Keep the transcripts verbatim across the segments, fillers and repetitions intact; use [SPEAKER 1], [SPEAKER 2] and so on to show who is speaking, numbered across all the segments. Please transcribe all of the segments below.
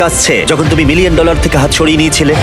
[SPEAKER 1] আসছে যখন তুমি মিলিয়ন ডলার থেকে হাত ছড়িয়ে নিয়েছিলে?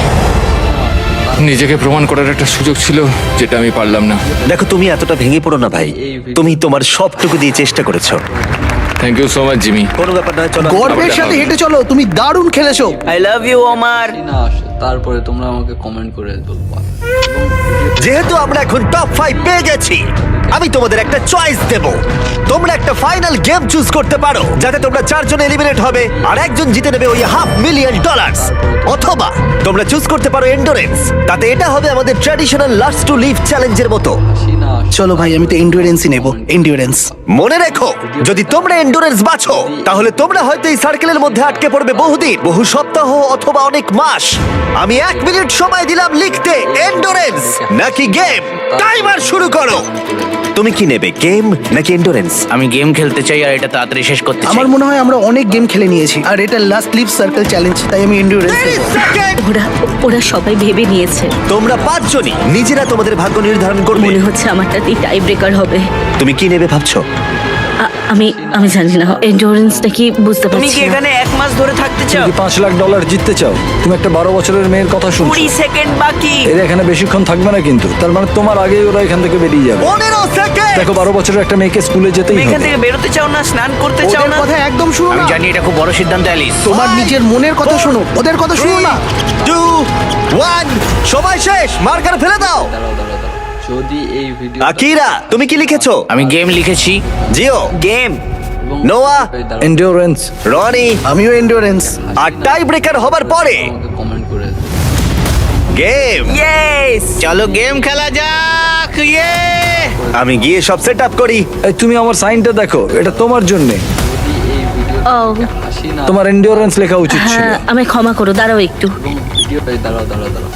[SPEAKER 2] নিজেকে প্রমাণ করার একটা সুযোগ ছিল যেটা আমি পারলাম না।
[SPEAKER 1] দেখো, তুমি এতটা ভেঙে পড়ো না ভাই। তুমি তোমার সবটুকু দিয়ে চেষ্টা করেছো।
[SPEAKER 2] Thank you so much Jimmy.
[SPEAKER 1] কোনো ব্যাপার নয়, চলো।
[SPEAKER 3] গর্বের সাথে হেঁটে চলো, তুমি দারুণ খেলেছো।
[SPEAKER 4] আই লাভ ইউ ওমার।
[SPEAKER 5] না আসে তারপরে তোমরা আমাকে কমেন্ট করে বলবা।
[SPEAKER 1] যেহেতু আমরা এখন টপ ফাইভ পেয়ে গেছি, আমি তোমাদের একটা চয়েস দেব। তোমরা একটা ফাইনাল গেম চুজ করতে পারো যাতে তোমরা চারজন এলিমিনেট হবে আর একজন জিতে নেবে ওই হাফ মিলিয়ন ডলার। অথবা তোমরা চুজ করতে পারো এন্ডুরেন্স। তাতে এটা হবে আমাদের ট্র্যাডিশনাল লাস্ট টু লিভ চ্যালেঞ্জের মতো।
[SPEAKER 5] হাসি না আসে।
[SPEAKER 3] চলো ভাই, আমি তো এন্ডুরেন্সই নেব, এন্ডুরেন্স।
[SPEAKER 1] মনে রেখো, যদি তোমরা এন্ডুরেন্স বাছো তাহলে তোমরা হয়তো এই সার্কেলের মধ্যে আটকে পড়বে বহুদিন, বহু সপ্তাহ অথবা অনেক মাস। আমি এক মিনিট সময় দিলাম লিখতে এন্ডুরেন্স নাকি গেম। টাইমার শুরু করো। তুমি কি নেবে, গেম নাকি এন্ডুরেন্স?
[SPEAKER 4] আমি গেম খেলতে চাই আর এটা তাড়াতাড়ি শেষ করতে চাই।
[SPEAKER 3] আমার মনে হয় আমরা অনেক গেম খেলে নিয়েছি আর এটা লাস্ট লিভ সার্কেল চ্যালেঞ্জ, তাই আমি এন্ডুরেন্স।
[SPEAKER 1] তিরিশ সেকেন্ড।
[SPEAKER 6] ওরা ওরা সবাই ভেবে নিয়েছে।
[SPEAKER 1] তোমরা পাঁচজনই নিজেরা তোমাদের ভাগ্য নির্ধারণ করবে।
[SPEAKER 6] মনে হচ্ছে আমারটাতেই টাই ব্রেকার হবে।
[SPEAKER 1] তুমি কি নেবে ভাবছো?
[SPEAKER 6] আ- আমি আমি জানি না এন্ডুরেন্সটা কি বুঝতে
[SPEAKER 4] তুমি
[SPEAKER 6] পারছি
[SPEAKER 4] কি
[SPEAKER 6] না।
[SPEAKER 4] এখানে এক মাস ধরে থাকতে চাও?
[SPEAKER 7] তুমি পাঁচ লাখ ডলার জিততে চাও? তুমি একটা বারো বছরের মেয়ের কথা শুনছো।
[SPEAKER 4] কুড়ি সেকেন্ড বাকি।
[SPEAKER 7] এরা এখানে বেশিক্ষণ থাকবে না কিন্তু, তার মানে তোমার আগেই ওরা এখান থেকে বেরিয়ে যাবে।
[SPEAKER 1] পনেরো সেকেন্ড।
[SPEAKER 7] দেখো, বারো বছরের একটা মেয়েকে স্কুলে যেতেই
[SPEAKER 4] তুমি এখান
[SPEAKER 7] হবে।
[SPEAKER 4] থেকে বেরোতে চাও না, স্নান করতে চাও
[SPEAKER 3] ওদের
[SPEAKER 4] না?
[SPEAKER 3] কথা একদম শুনো
[SPEAKER 4] আমি
[SPEAKER 3] না।
[SPEAKER 4] জানি এটা খুব বড় সিদ্ধান্ত অ্যালিস।
[SPEAKER 3] তোমার নিজের মনের কথা শোনো, ওদের কথা শুনো না।
[SPEAKER 1] টু ওয়ান, সময় শেষ। মার্কার ফেলে দাও।
[SPEAKER 5] দাঁড়াও দাঁড়াও দাঁড়াও। যদি এই ভিডিও
[SPEAKER 1] আকিরা, তুমি কি লিখেছো?
[SPEAKER 4] আমি গেম লিখেছি।
[SPEAKER 1] Gio,
[SPEAKER 4] game.
[SPEAKER 1] Noah,
[SPEAKER 7] endurance.
[SPEAKER 1] Ronnie
[SPEAKER 3] আমিও এন্ডুরেন্স।
[SPEAKER 1] আর টাই ব্রেকার হবার পরে
[SPEAKER 5] আমাকে কমেন্ট করে
[SPEAKER 1] গেম।
[SPEAKER 4] ইয়েস, চলো গেম খেলা যাক। ইয়ে
[SPEAKER 1] আমি গিয়ে সব সেট আপ করি।
[SPEAKER 7] এই তুমি আমার সাইনটা দেখো, এটা তোমার জন্য।
[SPEAKER 5] যদি এই ভিডিও
[SPEAKER 6] ও
[SPEAKER 5] হাসি না
[SPEAKER 7] তোমার এন্ডিওরেন্স লেখা উচিত ছিল।
[SPEAKER 6] হ্যাঁ, আমায় ক্ষমা করো, দাঁড়াও একটু।
[SPEAKER 5] ভিডিও দাঁড়াও দাঁড়াও দাঁড়াও।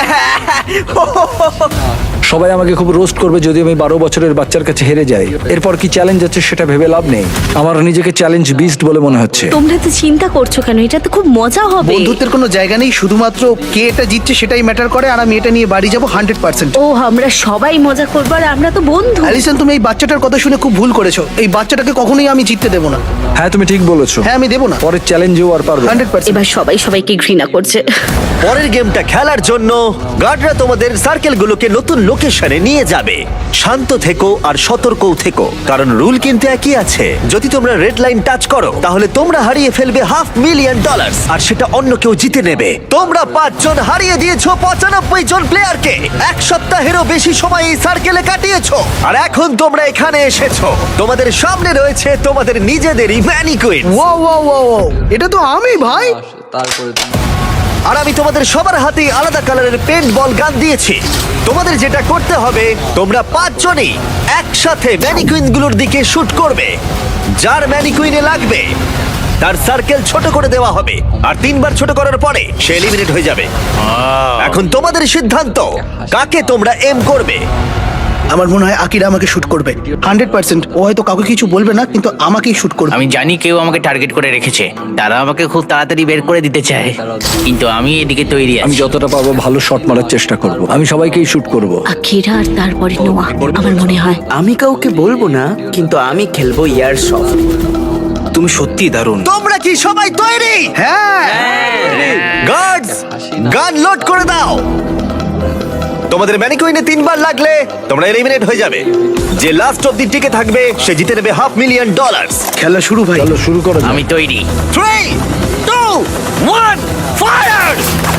[SPEAKER 7] সবাই আমাকে খুব রোস্ট করবে যদি আমি বারো বছরের বাচ্চার কাছে হেরে যাই। এরপর কি চ্যালেঞ্জ আছে সেটা ভেবে লাভ নেই। আমার নিজেকে চ্যালেঞ্জ বিস্ট বলে মনে হচ্ছে।
[SPEAKER 6] তোমরা তো চিন্তা করছো কেন? এটা তো খুব মজা হবে।
[SPEAKER 3] বন্ধুত্বের কোনো জায়গা নেই, শুধুমাত্র কে এটা জিতছে সেটাই ম্যাটার করে। আর আমি এটা নিয়ে বাড়ি যাবো হান্ড্রেড পার্সেন্ট।
[SPEAKER 6] ও আমরা সবাই মজা করবো আর আমরা তো বন্ধু।
[SPEAKER 3] অ্যালিসন, তুমি এই বাচ্চাটার কথা শুনে খুব ভুল করেছো। এই বাচ্চাটাকে কখনোই আমি জিততে দেবো না।
[SPEAKER 7] হ্যাঁ, তুমি ঠিক বলেছো।
[SPEAKER 3] হ্যাঁ, আমি দেবো না,
[SPEAKER 7] পরের চ্যালেঞ্জেও আর পারবে না।
[SPEAKER 3] Hundred percent.
[SPEAKER 6] এবার সবাই সবাইকে ঘৃণা করছে।
[SPEAKER 1] পরের গেমটা খেলার জন্য গার্ডরা তোমাদের সার্কেলগুলোকে নতুন লোকেশনে নিয়ে যাবে। শান্ত থেকো আর সতর্কও থেকো, কারণ রুল কিন্তু একই আছে। যদি তোমরা রেড লাইন টাচ করো তাহলে তোমরা হারিয়ে ফেলবে হাফ মিলিয়ন ডলার, আর সেটা অন্য কেউ জিতে নেবে। তোমরা পাঁচজন হারিয়ে দিয়েছো পঁচানব্বই জন প্লেয়ারকে। এক সপ্তাহেরও বেশি সময় এই সার্কেলে কাটিয়েছো, আর এখন তোমরা এখানে এসেছো। তোমাদের সামনে রয়েছে তোমাদের নিজেদেরই ম্যানিকুইন।
[SPEAKER 3] ও ও ও ও এটা তো আমি ভাই।
[SPEAKER 5] আসে তারপরে তুমি
[SPEAKER 1] আর আমি তোমাদের সবার হাতেই আলাদা কালারের পেন্ট বল গান দিয়েছি। তোমাদের যেটা করতে হবে, তোমরা পাঁচজনই একসাথে ম্যানিকুইনগুলোর দিকে শুট করবে। যার ম্যানিকুইনে লাগবে তার সার্কেল ছোট করে দেওয়া হবে, আর তিনবার ছোট করার পরে সে এলিমিনেট হয়ে যাবে। এখন তোমাদের সিদ্ধান্ত, কাকে তোমরা এম করবে।
[SPEAKER 3] আমার মনে হয় আকিরা আমাকে শুট করবে হান্ড্রেড পার্সেন্ট। ও হয়তো কাউকে কিছু বলবে না, কিন্তু আমাকেই শুট করবে।
[SPEAKER 4] আমি জানি কেউ আমাকে টার্গেট করে রেখেছে। তারা আমাকে খুব তাড়াতাড়ি বের করে দিতে চায়, কিন্তু আমি এদিকে তৈরি
[SPEAKER 7] আমি
[SPEAKER 4] আছি।
[SPEAKER 7] যতটা পারবো ভালো শট মারার চেষ্টা করব। আমি সবাইকেই শুট করব।
[SPEAKER 6] আকিরা আর তারপরে নোয়া, আমার মনে হয়।
[SPEAKER 8] আমি কাউকে বলবো না, কিন্তু আমি খেলবো ইয়ার সফট। তুমি সত্যি দারুণ।
[SPEAKER 1] তোমরা কি সবাই তৈরি?
[SPEAKER 3] হ্যাঁ,
[SPEAKER 1] গার্ডস, গান লোড করে দাও। তোমাদের ম্যানিকুইনে তিনবার লাগলে তোমরা এলিমিনেট হয়ে যাবে। যে লাস্ট অব্দি টিকে থাকবে সে জিতে নেবে হাফ মিলিয়ন ডলার।
[SPEAKER 3] খেলা শুরু ভাই।
[SPEAKER 7] চলো শুরু করো।
[SPEAKER 4] আমি তৈরি।
[SPEAKER 1] Three two one, fire!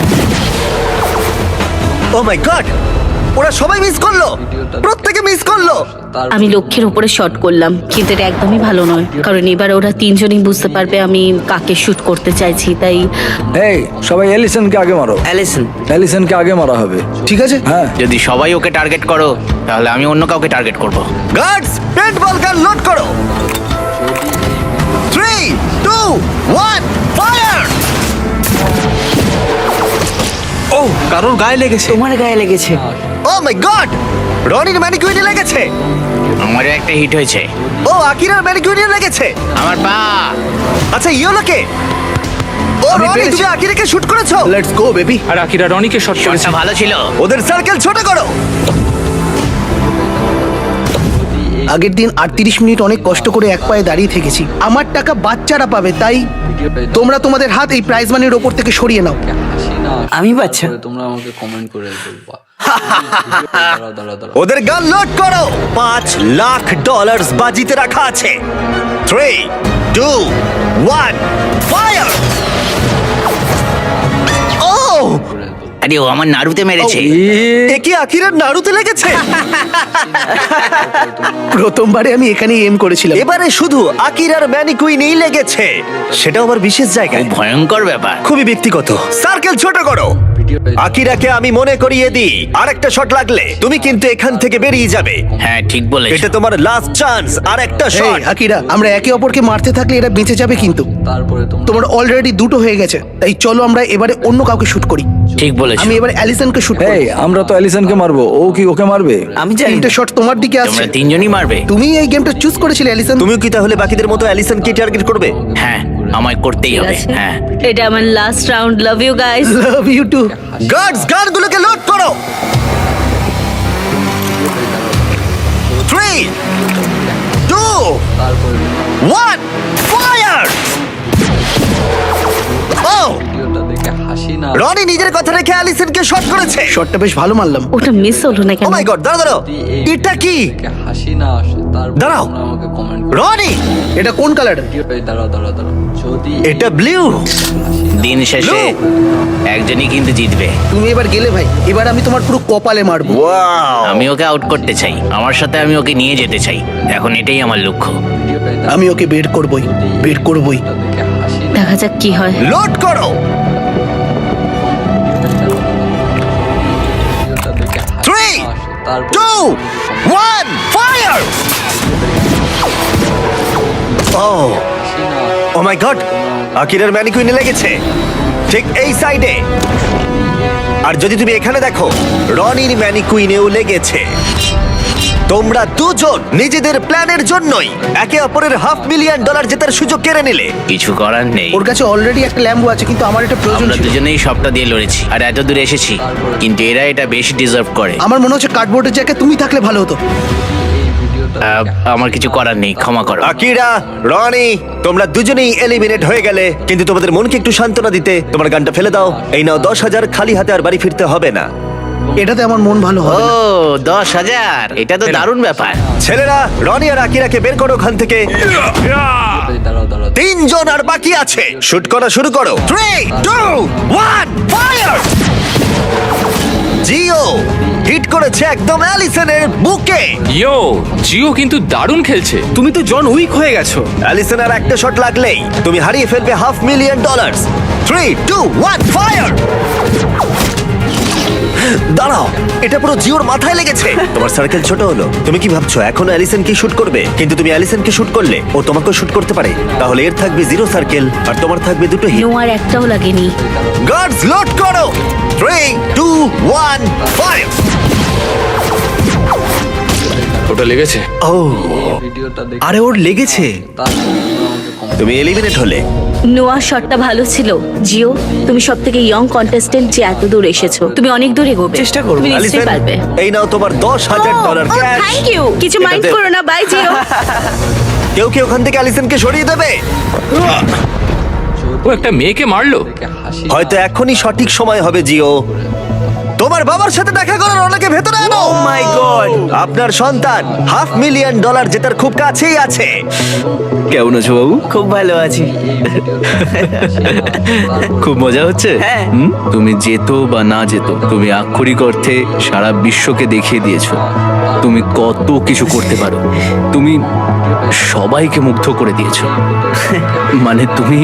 [SPEAKER 1] Oh my God, ওরা সবাই মিস করলো, প্রত্যেকে মিস করলো।
[SPEAKER 6] আমি লক্ষ্যের উপরে শট করলাম, কিন্তু এটা একদমই ভালো নয়, কারণ এবার ওরা তিনজনই বুঝতে পারবে আমি কাকে শুট করতে চাইছি। তাই
[SPEAKER 7] এই সবাই এলিসনকে আগে মারো।
[SPEAKER 8] অ্যালিসন,
[SPEAKER 7] এলিসনকে আগে মারা হবে।
[SPEAKER 3] ঠিক আছে।
[SPEAKER 7] হ্যাঁ,
[SPEAKER 4] যদি সবাই ওকে টার্গেট করো তাহলে আমি অন্য কাউকে টার্গেট করব।
[SPEAKER 1] গার্ডস, পেন্ট বল গান লোড করো। Three two one, fire!
[SPEAKER 8] ও কারোর গায়ে লেগেছে। তোমার গায়ে লেগেছে।
[SPEAKER 1] ও মাই গড, রনির ম্যানিকুইনে লেগেছে।
[SPEAKER 4] আমারও একটা হিট হয়েছে।
[SPEAKER 1] ও আকিরার ম্যানিকুইনে লেগেছে।
[SPEAKER 4] আমার পা।
[SPEAKER 1] আচ্ছা, ইয়োলোকে। ও
[SPEAKER 3] আমি
[SPEAKER 1] রনি,
[SPEAKER 3] পেরেছি।
[SPEAKER 1] তুমি আকিরাকে শুট করেছো।
[SPEAKER 3] Let's go baby.
[SPEAKER 2] আর আকিরা রনিকে শট করেছে।
[SPEAKER 4] শটটা ভালো ছিল।
[SPEAKER 1] ওদের সার্কেল ছোট করো।
[SPEAKER 3] আগের দিন আটত্রিশ মিনিট অনেক কষ্ট করে এক পায়ে দাঁড়িয়ে থেকেছি। আমার টাকা বাচ্চারা পাবে, তাই তোমরা তোমাদের হাত এই প্রাইজ মানির ওপর থেকে সরিয়ে নাও।
[SPEAKER 5] হাসি না আসে,
[SPEAKER 8] আমি বাচ্চা।
[SPEAKER 5] তারপরে তোমরা আমাকে কমেন্ট করে বলবা। দাঁড়াও দাঁড়াও দাঁড়াও
[SPEAKER 1] ওদের গান লোড করো। পাঁচ লাখ ডলার বাজিতে রাখা আছে। Three two one fire. ও
[SPEAKER 4] আরে ও আমার নাড়ুতে মেরেছে।
[SPEAKER 1] এ কি আকিরার নাড়ুতে লেগেছে?
[SPEAKER 3] প্রথমবারে আমি এখানে এম করেছিলাম।
[SPEAKER 1] এবারে শুধু আকিরার ম্যানিকুইনেই লেগেছে, সেটাও আবার বিশেষ জায়গায়।
[SPEAKER 4] ভয়ঙ্কর ব্যাপার।
[SPEAKER 1] খুবই ব্যক্তিগত। সার্কেল ছোট করো। আকিরাকে আমি মনে করিয়ে দিই, আরেকটা শট লাগলে তুমি কিন্তু এখান থেকে বেরিয়ে যাবে।
[SPEAKER 4] হ্যাঁ ঠিক বলেছ।
[SPEAKER 1] এটা তোমার লাস্ট চান্স। আর একটা
[SPEAKER 3] এই,
[SPEAKER 1] শট।
[SPEAKER 3] আকিরা, আমরা একে অপরকে মারতে থাকলে এরা বেঁচে যাবে কিন্তু।
[SPEAKER 5] তারপরে তোমরা
[SPEAKER 3] তোমার অলরেডি দুটো হয়ে গেছে, তাই চলো আমরা এবারে অন্য কাউকে শুট করি।
[SPEAKER 4] ঠিক বলেছ।
[SPEAKER 3] আমি এবার অ্যালিসনকে শুট
[SPEAKER 7] এই
[SPEAKER 3] করি।
[SPEAKER 7] আমরা তো অ্যালিসনকে মারবো, ও কি ওকে মারবে?
[SPEAKER 8] আমি জানি
[SPEAKER 3] তিনটে
[SPEAKER 8] না।
[SPEAKER 3] শট তোমার দিকে আসছে।
[SPEAKER 4] তোমরা তিনজনই মারবে।
[SPEAKER 3] তুমি এই গেমটা চুজ করেছিলে অ্যালিসন।
[SPEAKER 1] তুমিও কি তাহলে বাকিদের মতো অ্যালিসনকে টার্গেট করবে?
[SPEAKER 4] হ্যাঁ আমায় করতেই
[SPEAKER 6] ঠিক
[SPEAKER 4] হবে।
[SPEAKER 6] আছে।
[SPEAKER 4] হ্যাঁ
[SPEAKER 6] এটা আমার last round. Love you guys.
[SPEAKER 3] Love you too.
[SPEAKER 1] Guards গানগুলোকে লোড করো। থ্রি টু
[SPEAKER 5] তারপরে
[SPEAKER 1] ওয়ান ফায়ার। ও
[SPEAKER 5] ভিডিওটা দেখে হাসি না
[SPEAKER 1] রনি নিজের কথা রেখে অ্যালিসনকে শট করেছে।
[SPEAKER 3] শটটা বেশ ভালো মারলাম।
[SPEAKER 6] ওটা মিস হলো না
[SPEAKER 1] ও
[SPEAKER 6] কেন?
[SPEAKER 1] মাই গড, দাঁড়াও দাঁড়াও, এটা কি?
[SPEAKER 5] দেখে হাসি না আসে, তারপরে
[SPEAKER 1] দাঁড়াও।
[SPEAKER 5] তোমরা আমাকে কমেন্ট করে
[SPEAKER 1] রনি,
[SPEAKER 3] এটা কোন কালার?
[SPEAKER 5] ভিডিওটাই দাঁড়াও দাঁড়াও দাঁড়াও যদি
[SPEAKER 1] এটা ব্লু।
[SPEAKER 4] দিন শেষে একজনই কিন্তু জিতবে।
[SPEAKER 3] তুমি এবার গেলে ভাই, এবার আমি তোমার পুরো কপালে মারবো।
[SPEAKER 1] ওয়াও,
[SPEAKER 4] আমি ওকে আউট করতে চাই, আমার সাথে আমি ওকে নিয়ে যেতে চাই। এখন এটাই আমার লক্ষ্য।
[SPEAKER 5] ভিডিওটাই দাঁড়াও
[SPEAKER 3] আমি ওকে বের করবই, বের করবই।
[SPEAKER 5] দেখে হাসি না
[SPEAKER 6] দেখা যাক কি হয়।
[SPEAKER 1] লোড করো।
[SPEAKER 5] ভিডিওটা দেখে হাসি
[SPEAKER 1] থ্রি
[SPEAKER 5] না আসে, তারপরে
[SPEAKER 1] টু ওয়ান ফায়ার। ও
[SPEAKER 5] হাসি না আসে,
[SPEAKER 1] ও মাই গড, আকিরার ম্যানিকুইনে লেগেছে ঠিক এই সাইডে। আর যদি তুমি এখানে দেখো, রনির ম্যানিকুইনেও লেগেছে। তোমরা দুজন নিজেদের প্ল্যানের জন্যই একে অপরের হাফ মিলিয়ন ডলার জেতার সুযোগ কেড়ে নিলে।
[SPEAKER 4] কিছু করার নেই।
[SPEAKER 3] ওর কাছে অলরেডি একটা ল্যাম্বো আছে, কিন্তু আমার এটা প্রয়োজন
[SPEAKER 4] আমরা
[SPEAKER 3] ছিল।
[SPEAKER 4] দুজনেই সবটা দিয়ে লড়েছি আর এত দূরে এসেছি, কিন্তু এরা এটা বেশি ডিজার্ভ করে।
[SPEAKER 3] আমার মনে হচ্ছে কার্ডবোর্ডের জায়গায় তুমি থাকলে ভালো হতো।
[SPEAKER 5] এই ভিডিওটা
[SPEAKER 4] আহ, আমার কিছু করার নেই, ক্ষমা করো।
[SPEAKER 1] আকিরা, রনি, তোমরা দুজনেই এলিমিনেট হয়ে গেলে, কিন্তু তোমাদের মনকে একটু সান্ত্বনা দিতে তোমার গানটা ফেলে দাও। এই নাও দশ হাজার, খালি হাতে আর বাড়ি ফিরতে হবে না।
[SPEAKER 3] এটাতে আমার মন ভালো
[SPEAKER 4] ও
[SPEAKER 3] হবে না।
[SPEAKER 4] দশ হাজার, এটা তো দারুণ ব্যাপার।
[SPEAKER 1] ছেলেরা, রনি আর আকিরাকে বের করো ওখান থেকে।
[SPEAKER 5] দাঁড়াও দাঁড়াও
[SPEAKER 1] তিনজন আর বাকি আছে। শুট করা শুরু করো। Three two one fire. Gio hit করেছে একদম অ্যালিসনের বুকে।
[SPEAKER 2] ইয়ো, জিও কিন্তু দারুণ খেলছে।
[SPEAKER 8] তুমি তো জন উইক হয়ে গেছো।
[SPEAKER 1] অ্যালিসন আর একটা শট লাগলেই তুমি হারিয়ে ফেলবে half million dollar. Three two one fire. দাঁড়াও, এটা পুরো জিওর মাথায় লেগেছে। তোমার সার্কেল ছোট হলো। তুমি কি ভাবছো এখন অ্যালিসন কি শুট করবে? কিন্তু তুমি অ্যালিসনকে শুট করলে ও তোমাকেও শুট করতে পারে। তাহলে এর থাকবে জিরো সার্কেল আর তোমার থাকবে দুটো হিট।
[SPEAKER 6] নোয়ার একটাও লাগেনি।
[SPEAKER 1] গার্ডস লোড করো। Three two one fire.
[SPEAKER 2] ওটা লেগেছে।
[SPEAKER 1] ও,
[SPEAKER 5] ভিডিওটা দেখে
[SPEAKER 8] আরে ওর লেগেছে।
[SPEAKER 5] তারপরে তোমরা আমাকে কমেন্ট
[SPEAKER 1] তুমি এলিমিনেট হলে।
[SPEAKER 6] নোয়ার শটটা ভালো ছিল। জিও, তুমি সব থেকে ইয়ং কন্টেস্টেন্ট যে এত দূর এসেছো। তুমি অনেক দূর এগোবে।
[SPEAKER 8] চেষ্টা করবো।
[SPEAKER 6] তুমি নিশ্চয়ই
[SPEAKER 1] অ্যালিসন,
[SPEAKER 6] পারবে।
[SPEAKER 1] এই নাও তোমার দশ হাজার ডলার ক্যাশ।
[SPEAKER 6] Thank you. কিছু মাইন্ড
[SPEAKER 1] এটাতে-
[SPEAKER 6] করো না। Bye Gio.
[SPEAKER 1] কেউ কি ওখান থেকে অ্যালিসনকে সরিয়ে দেবে?
[SPEAKER 2] ও একটা মেয়েকে মারলো।
[SPEAKER 5] দেখে হাসি
[SPEAKER 1] হয়তো এখনই সঠিক সময় হবে জিও। তোমার বাবার সাথে দেখা করার অনেকে ভেতরে আনো।
[SPEAKER 8] Oh my God.
[SPEAKER 1] আপনার সন্তান হাফ মিলিয়ন ডলার জেতার খুব কাছেই আছে।
[SPEAKER 8] কেমন আছো বাবু? খুব ভালো আছি।
[SPEAKER 9] খুব মজা হচ্ছে।
[SPEAKER 8] হ্যাঁ।
[SPEAKER 9] হুম? তুমি যেত বা না যেত, তুমি আক্ষরিক অর্থে সারা বিশ্বকে দেখিয়ে দিয়েছো তুমি কত কিছু করতে পারো। তুমি সবাইকে মুগ্ধ করে দিয়েছো। মানে তুমি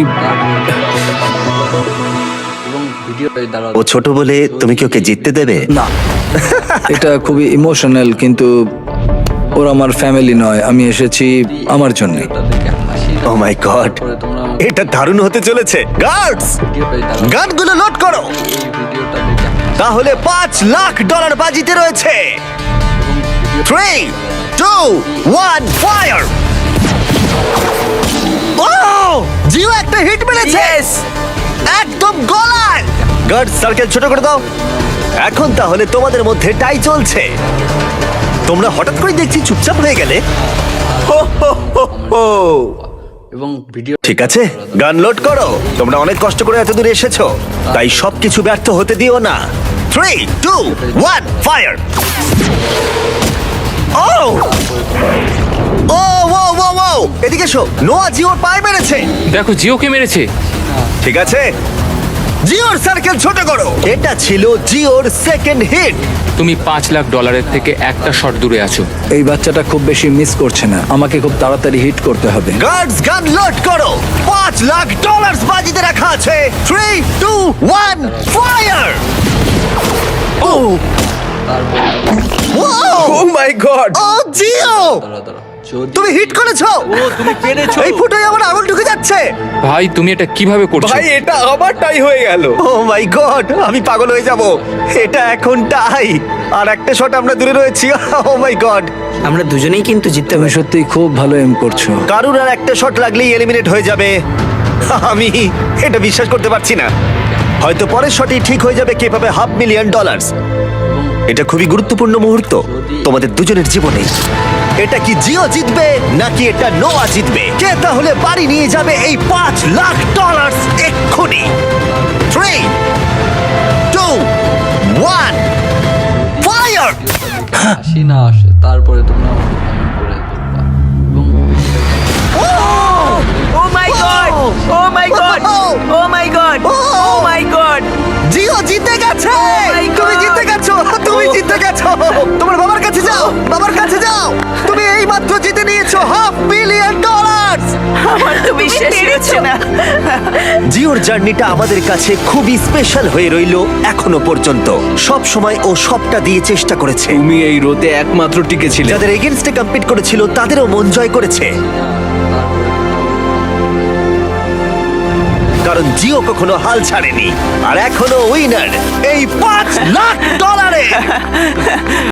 [SPEAKER 5] এবং ভিডিওটাই দাঁড়াও
[SPEAKER 1] ও ছোট বলে তুমি কি ওকে জিততে দেবে?
[SPEAKER 7] না, এটা খুবই ইমোশনাল, কিন্তু ওরা আমার ফ্যামিলি নয়। আমি এসেছি আমার জন্য।
[SPEAKER 5] দেখে হাসি না
[SPEAKER 1] ও মাই গড,
[SPEAKER 5] তারপরে তোমরা আমাকে
[SPEAKER 1] এটা দারুণ হতে চলেছে। গার্ডস,
[SPEAKER 5] ভিডিওটাই দাঁড়াও
[SPEAKER 1] গানগুলো লোড করো।
[SPEAKER 5] এই ভিডিওটা দেখে হাসি
[SPEAKER 1] তাহলে পাঁচ লাখ ডলার বাজিতে রয়েছে। Three two one fire. ও, জিও একটা হিট মেরেছে। একদম গলায়। গার্ড, সার্কেল ছোট করে দাও। এখন তাহলে তোমাদের মধ্যে টাই চলছে। তোমরা হঠাৎ করে দেখছি চুপচাপ হয়ে গেলে। হো, হো, হো, হো।
[SPEAKER 5] এবং ভিডিও
[SPEAKER 1] ঠিক আছে, গান লোড করো। তোমরা অনেক কষ্ট করে এত দূরে এসেছো, তাই সবকিছু ব্যর্থ হতে দিও না। Three two one fire. ও ও ও ও ও এদিকে এসো। নোয়া জিওর পায়ে মেরেছে।
[SPEAKER 2] দেখো জিওকে মেরেছে।
[SPEAKER 1] ঠিক আছে, জিওর সার্কেল ছোট করো। এটা ছিল জিওর সেকেন্ড হিট।
[SPEAKER 2] তুমি পাঁচ লাখ ডলারের থেকে একটা শট দূরে আছো।
[SPEAKER 7] এই বাচ্চাটা খুব বেশি মিস করছে না, আমাকে খুব তাড়াতাড়ি হিট করতে হবে।
[SPEAKER 1] গার্ডস গান লোড করো। পাঁচ লাখ ডলার বাজিতে রাখা আছে। Three two one fire. O oh my God, ও জিও
[SPEAKER 5] দাঁড়া দাঁড়া যদি
[SPEAKER 1] তুমি হিট করেছো।
[SPEAKER 8] ও তুমি পেরেছো।
[SPEAKER 1] এই ফুটোয় আমার আঙুল ঢুকে যাচ্ছে।
[SPEAKER 2] ভাই তুমি এটা কিভাবে করছো?
[SPEAKER 8] ভাই এটা আমারটাই হয়ে গেল।
[SPEAKER 1] ও মাই গড, আমি পাগল হয়ে যাব। এটা এখন টাই, আর একটা শট আমরা দূরে রয়েছি। ও মাই গড,
[SPEAKER 8] আমরা দুজনেই কিন্তু জিততে
[SPEAKER 7] তুমি
[SPEAKER 8] পারি।
[SPEAKER 7] সত্যি খুব ভালো এম করছো।
[SPEAKER 1] কারুর আর একটা শট লাগলেই এলিমিনেট হয়ে যাবে। আমি এটা বিশ্বাস করতে পারছি না। হয়তো পরের শটই ঠিক হয়ে যাবে কে পাবে হাফ মিলিয়ন ডলার। এটা খুবই গুরুত্বপূর্ণ মুহূর্ত তোমাদের দুজনের জীবনে। এটা কি জিও জিতবে নাকি এটা নোয়া জিতবে? কে তাহলে বাড়ি নিয়ে যাবে এই পাঁচ লাখ ডলার এক্ষুনি? Three two one fire.
[SPEAKER 5] হাসি না আসে তারপরে তোমরা আমাকে কমেন্ট করে বলবা। এবং
[SPEAKER 8] oh my God, oh my God, oh my God, oh my God.
[SPEAKER 1] Gio জিতে গেছে।
[SPEAKER 8] my
[SPEAKER 1] তুমি
[SPEAKER 8] God!
[SPEAKER 1] জিতে গেছো, তুমি জিতে গেছো। তোমার বাবার কাছে যাও, বাবার কাছে যাও। তুমি এই মাত্র জিতে নিয়েছো হাফ মিলিয়ন ডলার।
[SPEAKER 8] আমার তো বিশ্বাসই হচ্ছে না।
[SPEAKER 1] জিওর জার্নিটা আমাদের কাছে খুবই স্পেশাল হয়ে রইলো এখনো পর্যন্ত। সব সময় ও সবটা দিয়ে চেষ্টা করেছে।
[SPEAKER 9] তুমি এই রোতে একমাত্র টিকেছিলে।
[SPEAKER 1] যাদের এগেনস্টে কম্পিট করেছিল তাদেরও মন জয় করেছে, কারণ জিও কখনো হাল ছাড়েনি। আর এখনো উইনার এই পাঁচ লাখ ডলারে।